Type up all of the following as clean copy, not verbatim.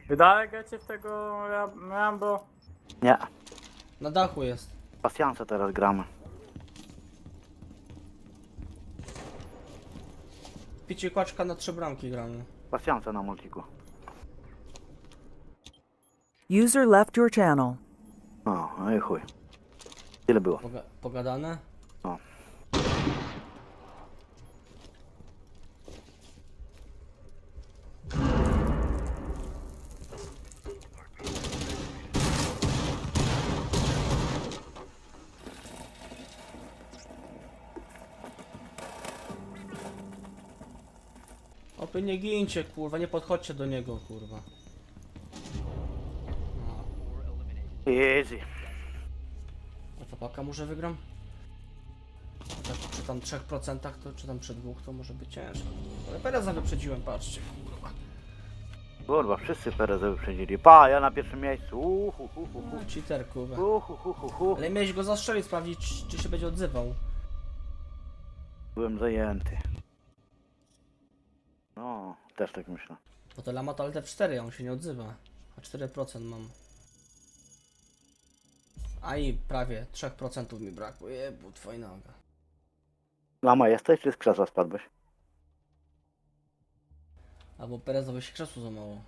Wydajecie w tego Rambo? Nie. Na dachu jest. Pasjanse teraz gramy. Picie kłaczka na 3 bramki gramy. Pasjanse na multiku. User left your channel. No i chuj. Tyle było. Pogadane? No. Opy nie gincie, kurwa, nie podchodźcie do niego, kurwa. Easy. A to paka może wygram? Tak, przy tam 3% to, czy tam przy 2% to może być ciężko. Ale Pereza wyprzedziłem, patrzcie, kurwa. Kurwa, wszyscy Perez wyprzedzili. Pa, ja na pierwszym miejscu. Cheater, kurwa. Uhuhuhuhu. Ale miałeś go zastrzelić, sprawdzić, czy się będzie odzywał. Byłem zajęty. No, też tak myślę. Bo to Lama to LT4, a on się nie odzywa. A 4% mam. A i prawie 3% mi brakuje, bo twoja noga. Lama jesteś, czy z krzesła spadłeś? Albo Perezowi się krzesło za mało.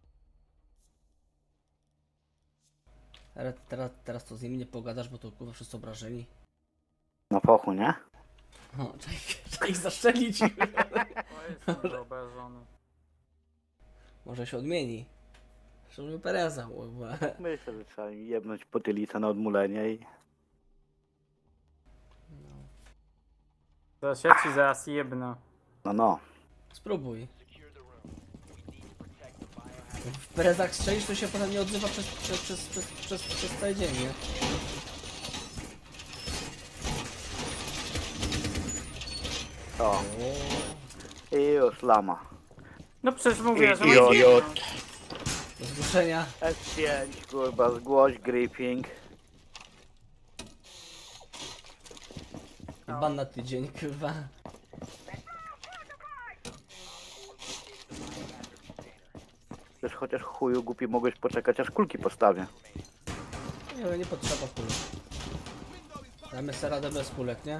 Teraz to z nimi nie pogadasz, bo to kurwa wszyscy obrażeni. Na pochu, nie? O, trzeba ich zaszczelić. O, jestem wyobrażony. Może się odmieni. Szczególnie Pereza, kurwa. Myślę, że trzeba im jebnąć potylicę na odmulenie i... To sieci zaraz jebnę. No. Spróbuj. Jak w Perezach strzelisz, to się potem nie odzywa przez cały dzień, nie? O. I już Lama. No przecież mówię, że Idiot. Do zgłoszenia. S5, kurwa, zgłoś gripping. I ban na tydzień, kurwa. Przecież chociaż chuju głupi mogłeś poczekać, aż kulki postawię. Nie, nie potrzeba kulek. Damy sobie radę bez kulek, nie?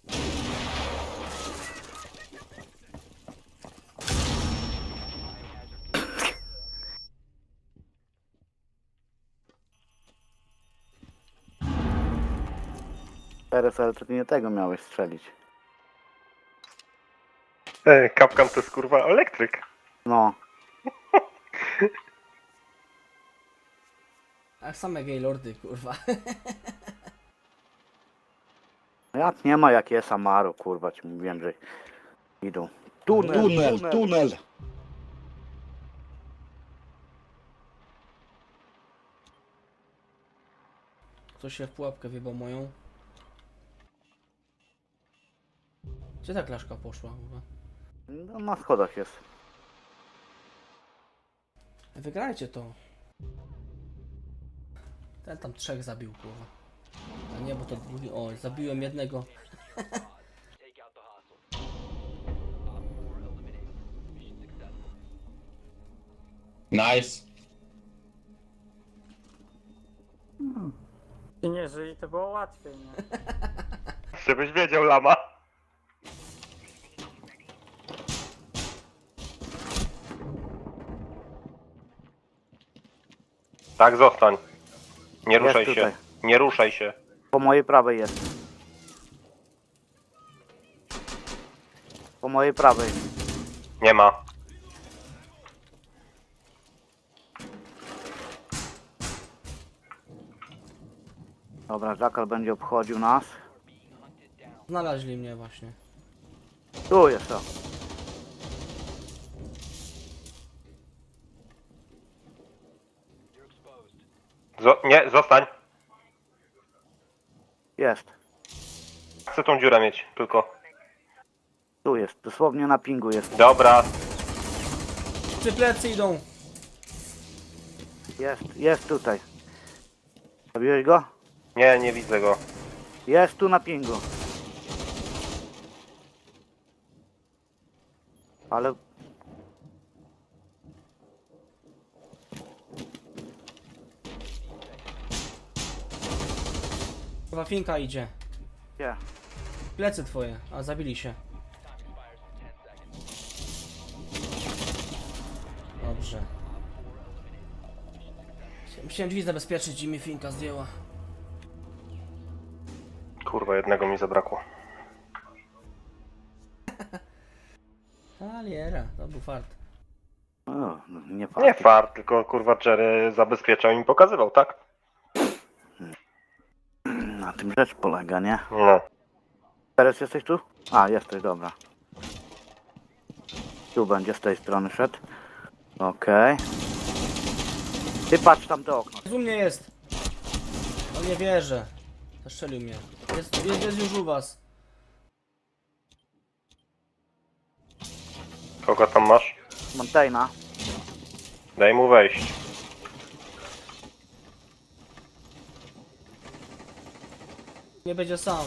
Perez, ale to ty nie tego miałeś strzelić. Kapkan to jest kurwa elektryk. No. A same gaylordy, kurwa. Jak nie ma, jak jest Amaro, kurwa, ci mówiłem, że idą. Tunel. Ktoś się w pułapkę wjebał moją. Gdzie ta klaszka poszła, kurwa? No, na schodach jest. Wygrajcie to. Ten tam 3 zabił, kurwa. A nie, bo to drugi. O, zabiłem jednego. Nice. I nie żyli, to było łatwiej, nie? Żebyś wiedział, Lama. Tak, zostań. Nie ruszaj Jest się. tutaj. Nie ruszaj się. Po mojej prawej jest. Po mojej prawej. Nie ma. Dobra, Jackal będzie obchodził nas. Znaleźli mnie właśnie. Tu jest to. Nie, zostań. Jest. Chcę tą dziurę mieć, tylko. Tu jest. Dosłownie na pingu jest. Dobra. Czy plecy idą? Jest tutaj. Zabiłeś go? Nie, nie widzę go. Jest tu na pingu. Ale Kurwa, finka idzie. Gdzie? Plecy twoje, a zabili się. Dobrze. Musiałem drzwi zabezpieczyć i mi finka zdjęła. Kurwa, jednego mi zabrakło. Aliera, to był fart. O, no, nie Nie fakt. fart, tylko kurwa Jerry zabezpieczał i mi pokazywał, tak? Na tym rzecz polega, nie? No. Teraz jesteś tu? A, jesteś, dobra. Tu będzie z tej strony szedł. Okej. Ty patrz tam do okna. U mnie jest. No nie wierzę. Zaszczelił mnie. Jest już u was. Kogo tam masz? Montaigne. Daj mu wejść. Nie będzie sam.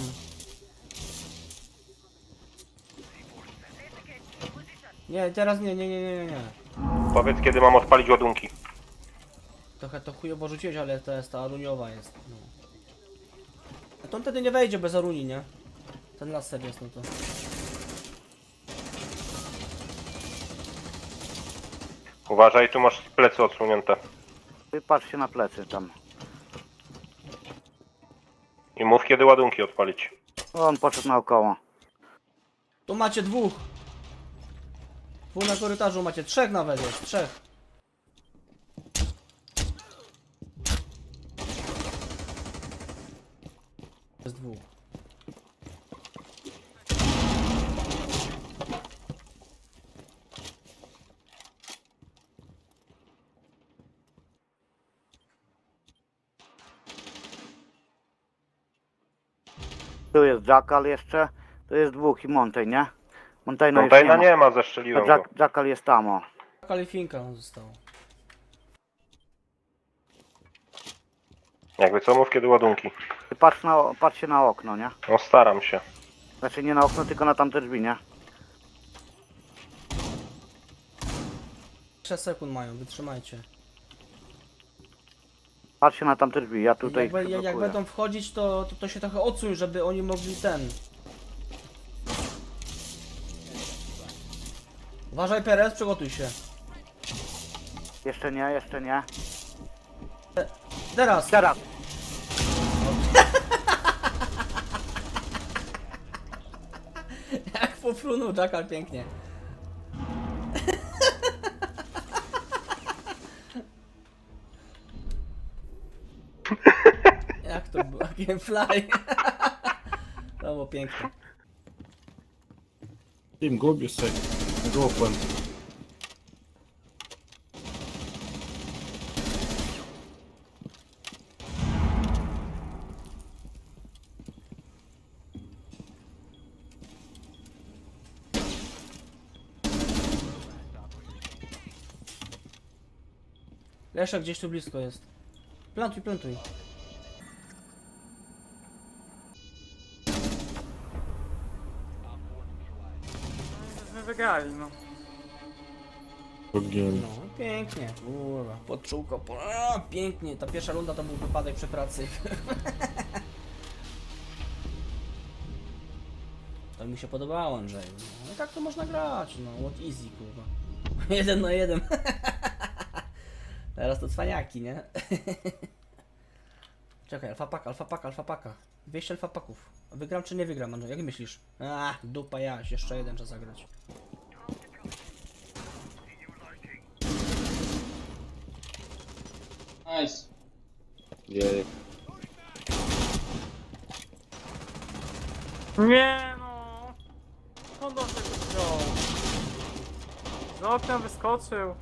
Nie, teraz nie. Powiedz, kiedy mam odpalić ładunki. Trochę to chujowo rzuciłeś, ale to jest ta aruniowa jest. No. A to on wtedy nie wejdzie bez aruni, nie? Ten laser jest, no to. Uważaj, tu masz plecy odsłonięte. Ty patrz się na plecy tam. I mów, kiedy ładunki odpalić. On poszedł naokoło. Tu macie dwóch. Dwóch na korytarzu macie, trzech nawet jest, trzech. Jest dwóch. Tu jest Jackal jeszcze. Tu jest dwóch i Montaigne, nie? Montaigne już Montajna nie ma. nie ma, A zeszczeliłem go. Jackal jest tam, o. Kalifinka został. Jakby co, mów, kiedy ładunki. Ty patrz się na okno, nie? No staram się. Znaczy nie na okno, tylko na tamte drzwi, nie? 6 sekund mają, wytrzymajcie. Patrz się na tamte drzwi, ja tutaj Jak, jak blokuję. będą wchodzić, to się trochę odsuń, żeby oni mogli ten. Uważaj, Perez, przygotuj się. Jeszcze nie. Teraz! Teraz! Jak pofrunął Jackal pięknie. Jak to było? Gamefly. To było piękne. Tim, gubisz się. Głupłem. Leszek gdzieś tu blisko jest. Plantuj. Żeśmy wygrali, no. Pogięli. No, pięknie. Kurwa, podczułko. Pięknie. Ta pierwsza runda to był wypadek przy pracy. To mi się podobało, Andrzej. No i tak to można grać, no. What easy, kurwa. 1 na 1. Teraz to cwaniaki, nie? Czekaj, alfa paka. 200 alfa paków. Wygram czy nie wygram, Andrzej? Jak myślisz? Dupa jaś, jeszcze jeden trzeba zagrać. Nice. Jej. Nie no! Skąd on tego wziął? Z okna wyskoczył.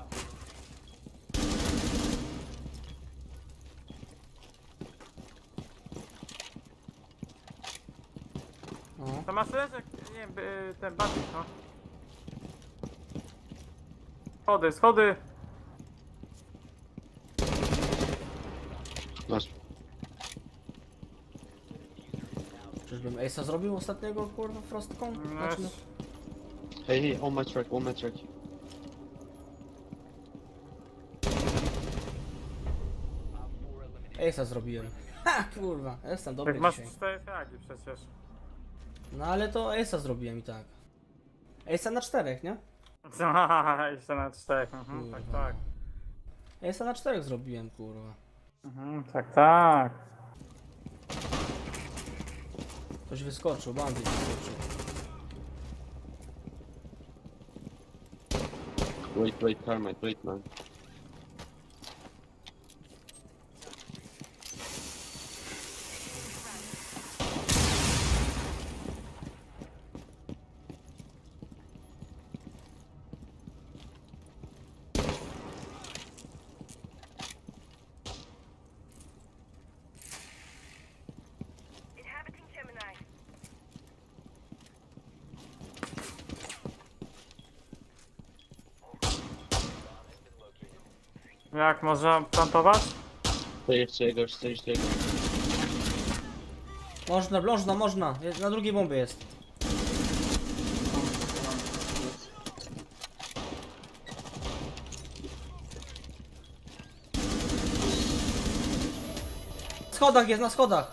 No. To masz leczek, nie wiem, ten batik, no. Schody. Czyżbym Ace'a zrobił ostatniego, kurwa, frostką? Znaczy, no. Hey, on my track. Ace'a zrobiłem. Ha, kurwa, jestem dobry Jak masz dzisiaj. 4 fragi przecież. No ale to Ace'a zrobiłem i tak. Ace'a na 4, nie? Jeszcze na 4. Mhm, tak, Kurwa. tak. Ace'a na 4 zrobiłem, kurwa. Mhm, tak, tak. Ktoś wyskoczył, bandit wyskoczył. Wait, Carmine, wait, man. Jak, można plantować? Stay jeszcze jego. Można. Na drugiej bombie jest. Na schodach jest, na schodach.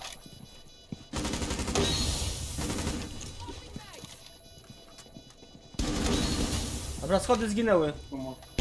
Dobra, schody zginęły.